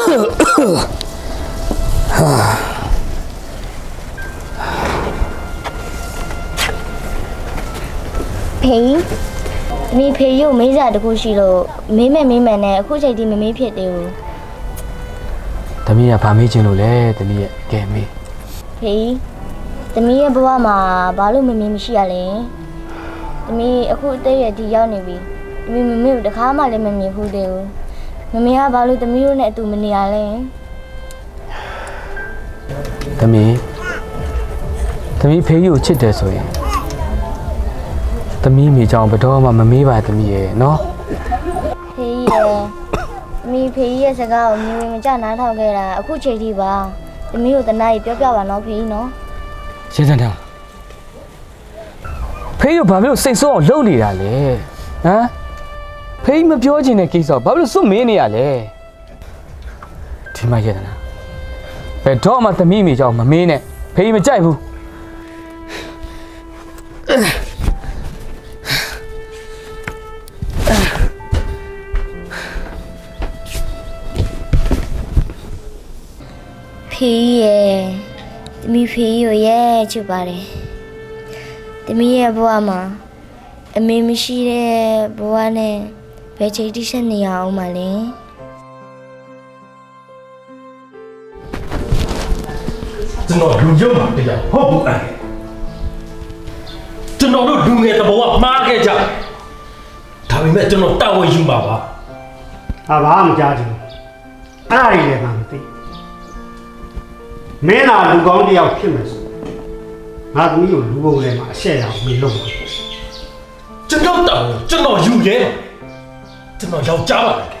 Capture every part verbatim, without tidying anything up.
ဖေးမိဖေးရုပ်မေးစားတခုရှိလို့မေးမဲ့မေးမှန်နဲ့အခုချိန်ထိမမေးဖြစ်သေးဘူးသမီးကဘာမေးချင်လို့လဲသမီးရဲ့ကဲမေးဖေးသမီးရဲ့ဘဝမှာဘာလို့မမေးမရှိရလဲသမီးအခုအသက်ရည်ဒီရောက်နေပြီသမီးမမေးဘူးတခါမှလည်းမမြင်ဘူးသေးဘူးမမေကဘာလို့သမီးတို့နဲ့အတူမနေရလဲသမီးသမီးဖေးကြီးကိုချစ်တယ်ဆိုရင်သမီးမိကြောင်ဘယ်တော့မှမမေးပါသမီးရဲ့နော်ဖေးရဲ့သမီးဖေးရဲ့စကားကိုမြင်ဝင်မကြနားထောင်ခဲ့တာအခုချိန်ထိပါသမီးတို့တနားကြီးပြောပြပါနော်ဖေးနော်ရှင်းစမ်းတာဖေးကဘာဖြစ်လို့စိတ်ဆိုးအောင်လုပ်နေတာလဲဟမ်ဖေးမပြောချင်တဲ့ကိစ္စဘာဖြစ်လို့စွန့်မင်းနေရလဲဒီမှာရတနာဘယ်တော့မှသမီးမိကြောင်မမေးနဲ့ဖေးမကြိုက်ဘူးဖေးရဲ့သမီးဖေးကိုရဲ့ချစ်ပါတယ်သမီးရဲ့ဘဝမှာအမေမရှိတဲ့ဘဝနဲ့ဘယ်ချိန်တိဆက်နေရအောင်မလဲကျွန်တော်လူရုပ်မှာတရားဟုတ်ဘူးအဲ့ကျွန်တော်တို့လူငယ်တဘောကမှားခဲ့ကြဒါပေမဲ့ကျွန်တော်တာဝန်ယူမှာပါဟာဘာမှမကြားချင်ဘူးအဲ့ဒါတွေလည်းမှမသိမင်းသာလူကောင်းတယောက်ဖြစ်မယ်ဆိုငါသမီးကိုလူပုံထဲမှာအရှက်ရအောင်မလုပ်ဘူးကျွန်တော်တာဝန်ကျွန်တော်ယူရဲပါကျွန်တော်ယောက်ျားပါလေ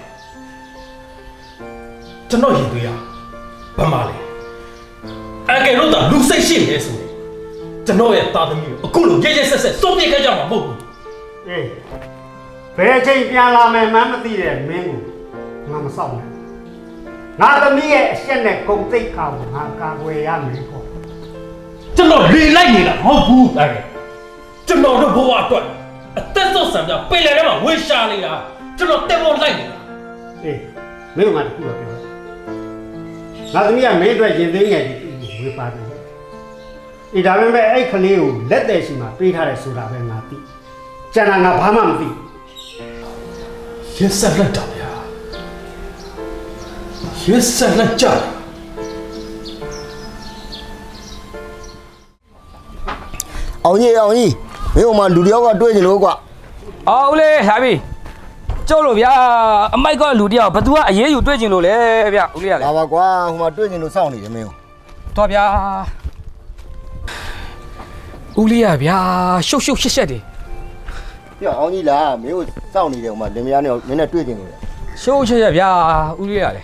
ကျွန်တော်ရင်သွေးရဘာမှလဲအကယ်လို့တာလူစိတ်ရှိနေဆိုကျွန်တော်ရဲ့သားသမီးကိုအခုလိုရဲရဲဆက်ဆက်စုံပြခဲ့ကြမှာမဟုတ်ဘူးအေးဘယ်ချိန်ပြန်လာမယ်မှန်းမသိတဲ့မင်းကိုငါမစောင့်နဲ့ငါသမီးရဲ့အရှက်နဲ့ဂုံသိက္ခာကိုငါကာကွယ်ရမယ်ပေါ့ကျွန်တော်လေလိုက်နေတာမဟုတ်ဘူးအဲ့ကျွန်တော်တို့ဘဝအတွက်အသက်ဆုံးဆံပြပင်လယ်ထဲမှာဝေရှာနေတာကျွန်တော်တက်ဖို့လိုက်နေတာအေးမင်းကငါတခုတော့ပြောငါသမီးကမင်းအတွက်ရင်သိငယ်ဒီဝေပါတယ်အေးဒါပေမဲ့အဲ့ကလေးကိုလက်တယ်ရှိမှပေးထားတယ်ဆိုတာပဲငါသိကျန်တာငါဘာမှမသိရက်ဆက်လက်တာဗျာရက်ဆက်လက်ကြအောင်ကြီးအောင်ကြီးမင်းတို့မှလူတယောက်ကတွေ့ကြလို့ကွာအောင်လေလာပြီကျုပ်လို့ဗျာအမိုက်ကလူတယောက်ဘသူကအရေးယူတွေ့ကျင်လို့လေဗျဦးလေးရလေပါပါကွာဟိုမှာတွေ့ကျင်လို့စောင့်နေတယ်မင်းတော့ဗျာဦးလေးရဗျာရှုပ်ရှုပ်ရှက်ရှက်တယ်ပြအောင်ကြီးလားမင်းကိုစောင့်နေတယ်ဟိုမှာလင်မယားနဲ့မင်းနဲ့တွေ့ကျင်လို့လေရှုပ်ရှက်ရှက်ဗျာဦးလေးရလေ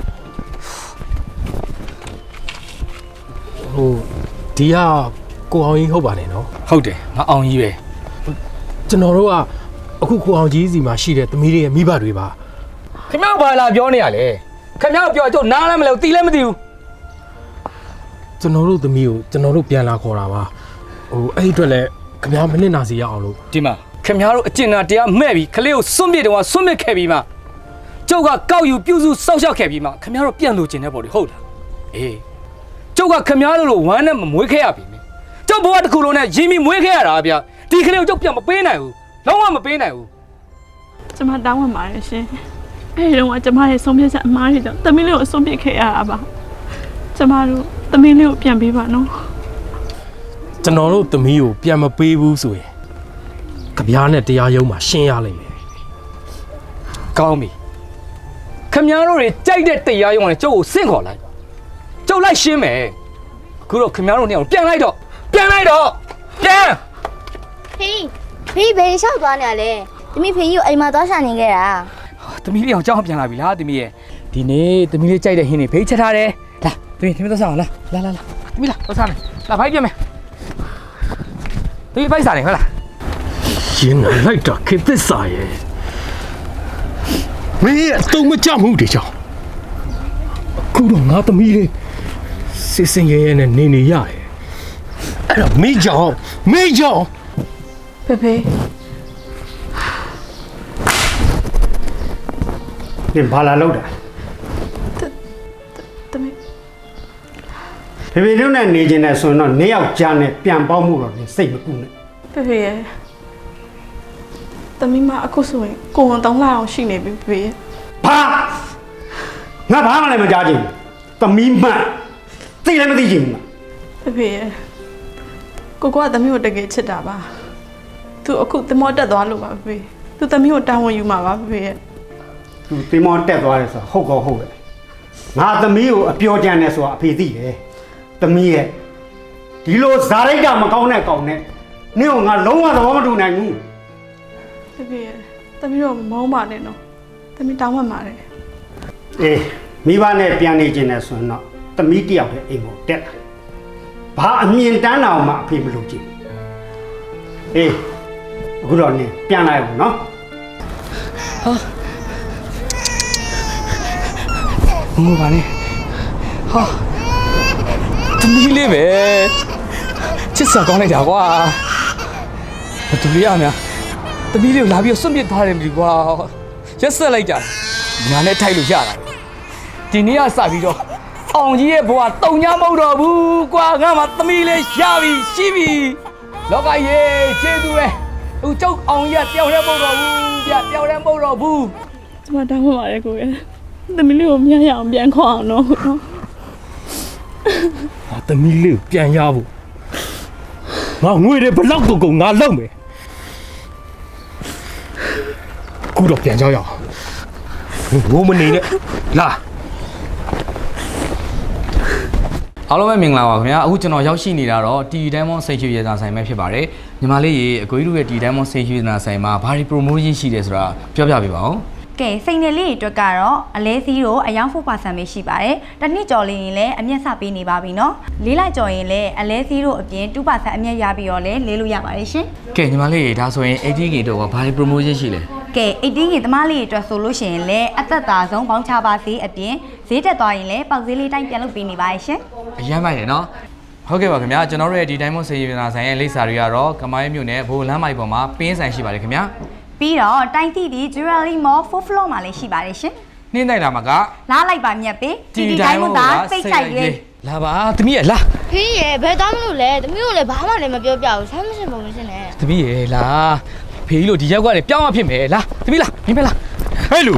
ဟိုဒီကကိုအောင်ကြီးဟုတ်ပါတယ်နော်ဟုတ်တယ်ငါအောင်ကြီးပဲကျွန်တော်တို့ကအခုကိုအောင်ကြီးစီမှာရှိတဲ့သမီးတွေရဲ့မိဘတွေပါခင်ဗျားဘာလာပြောနေရလဲခင်ဗျားပြောကြုံနားလည်းမလဲသိလည်းမသိဘူးကျွန်တော်တို့သမီးကိုကျွန်တော်တို့ပြန်လာခေါ်တာပါဟိုအဲ့အတွက်လည်းခင်ဗျားမနစ်နာစေရအောင်လို့ဒီမှာခင်ဗျားတို့အကျဉ်းသားတရားမဲ့ပြီးခလေးကိုစွန့်ပစ်တော့စွန့်ပစ်ခဲ့ပြီးမှကျုပ်ကကောက်ယူပြုစုစောက်ရှောက်ခဲ့ပြီးမှခင်ဗျားတို့ပြန်လို့ကျင်တဲ့ပေါ်တွေဟုတ်လားအေးကျုပ်ကခင်ဗျားတို့လိုဝမ်းနဲ့မမွေးခဲ့ရပြီမင်းကျုပ်ဘဝတစ်ခုလုံးနဲ့ရင်းပြီးမွေးခဲ့ရတာဗျဒီခလေးကိုကျုပ်ပြန်မပေးနိုင်ဘူးလုံးဝမပေးနိုင်ဘူးကျမတောင်းဝင်ပါတယ်ရှင်အဲဒီတော့ကျမရဲ့ဆုံးဖြတ်ချက်အမှားတွေကြောင့်သမီးလေးကိုဆုံးဖြတ်ခဲ့ရတာပါကျမတို့သမီးလေးကိုပြန်ပေးပါနော်ကျွန်တော်တို့သမီးကိုပြန်မပေးဘူးဆိုရင်ကြပြားနဲ့တရားရုံးမှာရှင်းရလိမ့်မယ်ကောင်းပြီခင်ဗျားတို့တွေကြိုက်တဲ့တရားရုံးကလည်းကျုပ်ကိုဆင့်ခေါ်လိုက်ကျုပ်လိုက်ရှင်းမယ်အခုတော့ခင်ဗျားတို့နေအောင်ပြန်လိုက်တော့ပြန်လိုက်တော့ပြန်ဖေးဖေးဘယ်လျှောက်သွားနေရလဲသမီးဖေးကြီးကိုအိမ်မှာသွားရှာနေခဲ့တာသမီးလေးအောင်ကြောက်ပြန်လာပြီလားသမီးရဲ့ဒီနေ့သမီးလေးကြိုက်တဲ့ဟင်းတွေဖေးချက်ထားတယ်လာသမီးသမီးသွားစားအောင်လာလာလာလာသမီးလာသွားစားမယ်လာဖိုက်ပြမယ်သမီးဖိုက်စားတယ်ဟုတ်လားရှင်းလိုက်တာခေတ္တစာရဲ့မင်းရဲ့တုံးမကြမှုတွေကြောင့်အခုတော့ငါသမီးလေးစစ်စင်ရဲရဲနဲ့နေနေရတယ်အဲ့တော့မိကြောင်မိကြောင်ဖေဖေနင်ဘာလာလောက်တာဖေဖေတို့နဲ့နေကျင်တဲ့ဆိုရင်တော့နှစ်ယောက်ကြားနဲ့ပြန်ပေါက်မှုတော့စိတ်မကူနဲ့ဖေဖေရဲ့သမီးမအခုဆိုရင်ကိုဝန်တောင်းလာအောင်ရှိနေပြီဖေဖေရဲ့ဘာငါဘာမှလည်းမကြားချင်ဘူးသမီးမှန်သိလည်းမသိချင်ဘူးဖေဖေရဲ့ကိုကသမီးကိုတကယ်ချစ်တာပါသူအခုသမောတက်သွားလို့ပါဖေဖေသူသမီးကိုတာဝန်ယူမှာပါဖေဖေရဲ့သူတင်မောတက်သွားတယ်ဆိုတော့ဟုတ်ကောဟုတ်ပဲငါသမီးကိုအပြောကြမ်းနေဆိုတာအဖေသိတယ်သမီးရဲ့ဒီလိုဇာရိတ်ကမကောင်းတဲ့ကောင်နဲ့နင့်ကိုငါလုံးဝသဘောမတူနိုင်ဘူးဖေဖေရဲ့သမီးတို့မမောင်းပါနဲ့နော်သမီးတောင်းမှပါတယ်အေးမိဘနဲ့ပြန်နေကျင်တယ်ဆိုရင်တော့သမီးတယောက်ရဲ့အိမ်ကိုတက်လာဘာအမြင်တန်းအောင်မှအဖေမလုပ်ချင်အေးအခုတော့နင်ပြန်လာရဘူးနော်မဟုတ်ပါနဲ့ဟာသမီးလေးပဲချစ်စရာကောင်းလိုက်တာကွာဘသူလေးရများသမီးလေးကိုလာပြီးစွန့်ပစ်ထားတယ်မလို့ကွာရက်ဆက်လိုက်ကြညာနဲ့ထိုက်လို့ရတာဒီနေ့ကစပြီးတော့အောင်ကြီးရဲ့ဘဝတုံညာမဟုတ်တော့ဘူးကွာငါမှသမီးလေးရပြီရှိပြီလောကကြီးကျေးဇူးပဲအခုကျုပ်အောင်ကြီးကတယောက်တည်းမဟုတ်တော့ဘူးဗျတယောက်တည်းမဟုတ်တော့ဘူးကျမတောင်းမှပါတယ်ကိုရဲ့သမီးလေးကိုမြတ်ရအောင်ပြန်ခေါ်အောင်နော်နော်ငါသမီးလေးကိုပြန်ရဖို့ငါငွေတွေဘလောက်ကုန်ကုန်ငါလောက်မယ်ခုတော့ပြန်ကြရအောင်ဘိုးမနေနဲ့လာအားလုံးပဲမင်္ဂလာပါခင်ဗျာအခုကျွန်တော်ရောက်ရှိနေတာတော့ တီ Diamond စိတ်ချရေစာဆိုင်ပဲဖြစ်ပါတယ်ညီမလေးရေအကိုကြီးတို့ရဲ့ တီ Diamond စိတ်ချရေစာဆိုင်မှာဘာတွေ promotion ရှိတယ်ဆိုတာပြောပြပေးပါဦးကဲစိန်နယ်လေးတွေအတွက်ကတော့အလဲစီးတော့အယောင် four percent ပဲရှိပါတယ်။တစ်နှစ်ကျော်လေးရင်လည်းအမျက်စပေးနေပါပြီနော်။လေးလိုက်ကျော်ရင်လည်းအလဲစီးတော့အပြင် two percent အမျက်ရပြီးတော့လည်းလေးလို့ရပါတယ်ရှင်ကဲညီမလေးရေဒါဆိုရင် eighty K တော့ဘာတွေ promotion ရှိလဲ။ကဲ eighteen ရင်သမားလေးတွေအတွက်ဆိုလို့ရှိရင်လည်းအသက်သာဆုံးပေါင်းချပါစေအပြင်ဈေးတက်သွားရင်လည်းပေါက်ဈေးလေးတိုင်းပြန်လုပ်ပေးနေပါရဲ့ရှင်အရမ်းမိုက်တယ်နော်ဟုတ်ကဲ့ပါခင်ဗျာကျွန်တော်တို့ရဲ့ဒီ Diamond စိတ်ချရေစာဆိုင်ရဲ့လိပ်စာတွေကတော့ကမိုင်းမြို့နယ်ဘိုးလမ်းမိုက်ပေါ်မှာပင်းဆိုင်ရှိပါတယ်ခင်ဗျာ။ပြီးတော့တိုင်းတီဒီ Jewelry Mall fourth floor မှာလည်းရှိပါတယ်ရှင်နှင်းနိုင်လာမှာက။လာလိုက်ပါမြတ်ပေးတီဒီတိုင်းမို့သာစိတ်ဆိုင်ရွေးလာပါသမီးရလာဖေးရဲ့ဘယ်သားမလို့လဲသမီးတို့လည်းဘာမှလည်းမပြောပြဘူးဆမ်းမစင်ပုံမစင်နဲ့သမီးရလာဖေးကြီးလို့ဒီရောက်ကနေပြောင်းမဖြစ်မယ်လာသမီးလာမင်းပဲလာဟဲ့လူ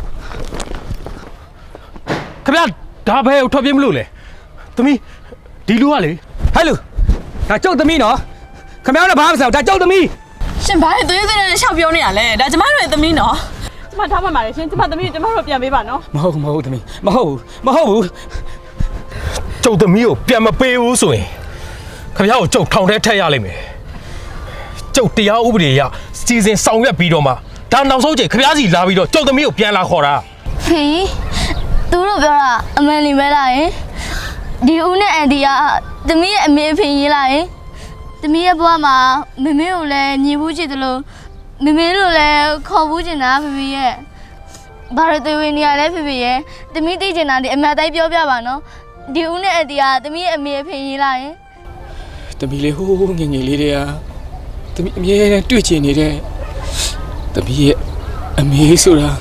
ခင်ဗျာဒါဘယ်ကိုထွက်ပြေးမလို့လဲသမီးဒီလူကလေဟဲ့လူဒါကျုပ်သမီးနော်ခင်ဗျားတို့ဘာမှမဆိုင်ဘူးဒါကျုပ်သမီးရှင်ဘာလဲသွေးသွေးနဲ့ရှောက်ပြောနေရလဲဒါကျမတို့ရဲ့သမီးနော်ကျမထားမှပါတယ်ရှင်ကျမသမီးကျမတို့ပြန်ပေးပါနော်မဟုတ်မဟုတ်သမီးမဟုတ်ဘူးမဟုတ်ဘူးကျုပ်သမီးကိုပြန်မပေးဘူးဆိုရင်ခင်ဗျားကိုကျုပ်ထောင်ထဲထည့်ရလိမ့်မယ်ကျုပ်တရားဥပဒေအရစီစဉ်ဆောင်ရွက်ပြီးတော့မှဒါနောက်ဆုံးချိန်ခင်ဗျားစီလာပြီးတော့ကျုပ်သမီးကိုပြန်လာခေါ်တာဖေးသူတို့ပြောတာအမှန်လေးပဲလားယင်ဒီဦးနဲ့အန်ဒီကသမီးရဲ့အမေအဖေရေးလာယင်သမီးရဲ့ဘဝမှာမမေကိုလည်းညီဘူးချစ်တယ်လို့မမေတို့လည်းခေါ်ဘူးချင်တာဖေဖေရဲ့ဘာလို့တွေ့ဝင်နေရလဲဖေဖေရဲ့သမီးသိချင်တာဒီအမှန်တိုင်းပြောပြပါနော်ဒီဦးနဲ့အန်ဒီကသမီးရဲ့အမေအဖေရေးလာယင်သမီးလေးဟိုးငယ်ငယ်လေးတည်းကသမီးအမြဲတမ်းတွေ့ချင်နေတဲ့သမီးရဲ့အမေဆိုတာ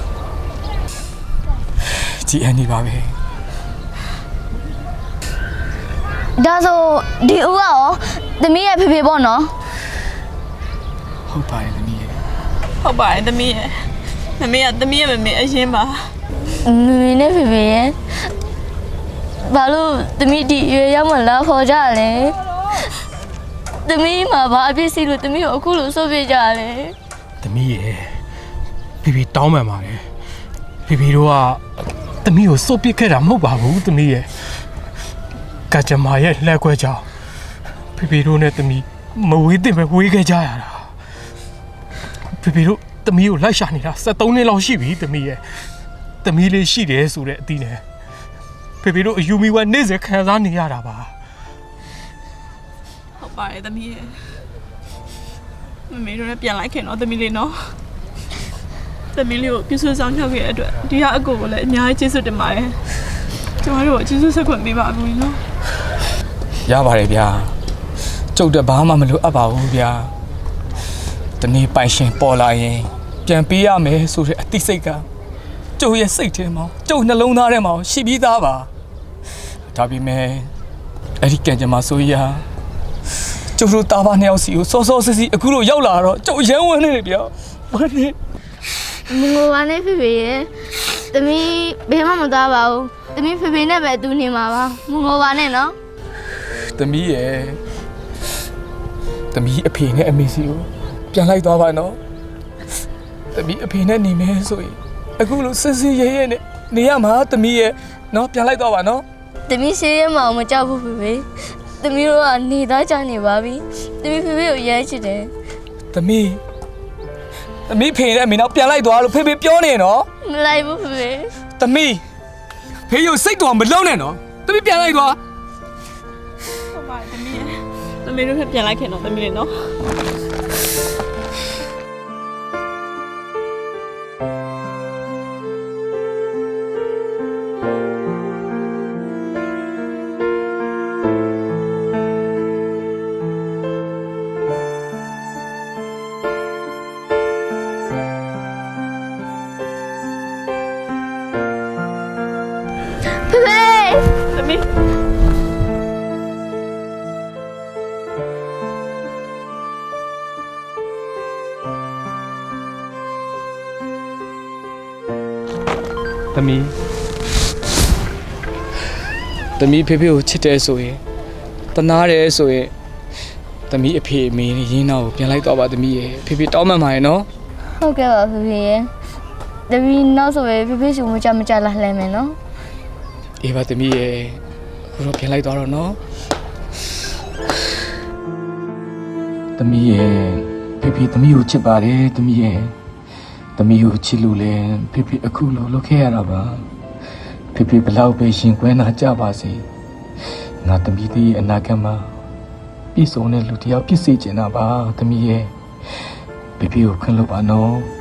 ကြည်အန်ဒီပါပဲဒါဆိုဒီဦးကရောသမီးရဲ့ဖေဖေပေါ့နော်ဟုတ်ပါတယ်သမီးရဲ့ဟုတ်ပါတယ်သမီးရဲ့မမေကသမီးရဲ့မမေအရင်ပါမမေနဲ့ဖေဖေရဲ့ဘာလို့သမီးဒီရွေရောက်မှလာခေါ်ကြလဲသမီးမှာဘာအဖြစ်စီလို့သမီးကိုအခုလိုဆိုပြကြလဲသမီးရဲ့ဖေဖေတောင်းပန်ပါတယ်ဖေဖေတို့ကသမီးကိုစုပ်ပစ်ခဲ့တာမဟုတ်ပါဘူးသမီးရဲ့ကကြမ္မာရဲ့လက်ခွဲကြောင်ဖေဖေတို့နဲ့သမီးမဝေးသင့်ပဲဝေးခဲ့ကြရတာဖေဖေတို့သမီးကိုလိုက်ရှာနေတာseventeenနှစ်လောက်ရှိပြီသမီးရဲ့သမီးလေးရှိတယ်ဆိုတဲ့အသီးနဲ့ဖေဖေတို့အယူမီဝါနေ့စဉ်ခံစားနေရတာပါဟုတ်ပါတယ်သမီးရဲ့မမေတို့လည်းပြန်လိုက်ခင်တော့သမီးလေးနော်သမီးလေးကိုပြည့်စုံဆောင်ချောက်ခဲ့တဲ့အတွက်ဒီကအကိုကိုလည်းအများကြီးကျေးဇူးတင်ပါတယ်ကျမတို့ကိုကျေးဇူးဆက်ခွင့်ပေးပါအကူကြီးနော်ရပါတယ်ဗျာကျုပ်တဘာမှမလိုအပ်ပါဘူးဗျာတနေ့ပိုင်ရှင်ပေါ်လာရင်ပြန်ပေးရမယ်ဆိုတဲ့အသိစိတ်ကကျုပ်ရဲ့စိတ်ထဲမှာကျုပ်နှလုံးသားထဲမှာရှိပြီးသားပါဒါပေမဲ့အဲ့ဒီကံကြမ္မာဆိုရကျုပ်တို့တာဘာနှစ်ယောက်စီကိုစောစောစစ်စစ်အခုလိုရောက်လာတော့ကျုပ်ရမ်းဝန်းနေတယ်ဗျာဝမ်းနေမငိုပါနဲ့ဖေဖေရဲ့သမီးဘယ်မှမသွားပါဘူးသမီးဖေဖေနဲ့ပဲတူနေမှာပါမငိုပါနဲ့နော်သမီးရဲ့သမီးအဖေနဲ့အမေစီကိုပြန်လိုက်သွားပါနော်သမီးအဖေနဲ့နေမယ်ဆိုရင်အခုလိုစစ်စစ်ရဲရဲနဲ့နေရမှာသမီးရဲ့နော်ပြန်လိုက်သွားပါနော်သမီးရှေးရဲမအောင်မကြောက်ဘူးဖေဖေသမီးတို့ကနေသားကြနေပါပြီသမီးဖေဖေကိုရဲချစ်တယ်သမီးသမီးဖေနဲ့အမေနောက်ပြန်လိုက်သွားလို့ဖေဖေပြောနေနော်မလိုက်ဘူးဖေဖေသမီးဖေရုပ်စိတ်တော်မလုံးနဲ့နော်သမီးပြန်လိုက်သွားဟုတ်ပါတယ်သမီးရဲ့သမီးတို့ထပ်ပြန်လိုက်ခဲ့တော့သမီးလေးနော်ဖေဖေသမီးသမီးသမီးဖေဖေကိုချစ်တယ်ဆိုရင်တနာတယ်ဆိုရင်သမီးအဖေအမေရင်းတော့ပြန်လိုက်တော့ပါသမီးရဲ့ဖေဖေတောင်းမှန်ပါရဲ့နော်ဟုတ်ကဲ့ပါဖေဖေရဲ့သမီးနောက်ဆိုရင်ဖေဖေစုမကြမကြလာလှမ်းမယ်နော်အေးပါသမီးရဲ့အခုတော့ပြန်လိုက်သွားတော့နော်သမီးရဲ့ဖေဖေသမီးကိုချစ်ပါတယ်သမီးရဲ့သမီးကိုချစ်လို့လဲဖေဖေအခုလိုလုပ်ခဲ့ရတာပါဖေဖေဘလောက်ပဲရှင်ကွဲနာကြပါစေငါသမီးသေးရဲ့အနာဂတ်မှာပြည့်စုံတဲ့လူတစ်ယောက်ဖြစ်စေချင်တာပါသမီးရဲ့ဖေဖေကိုခွင့်လို့ပါနော်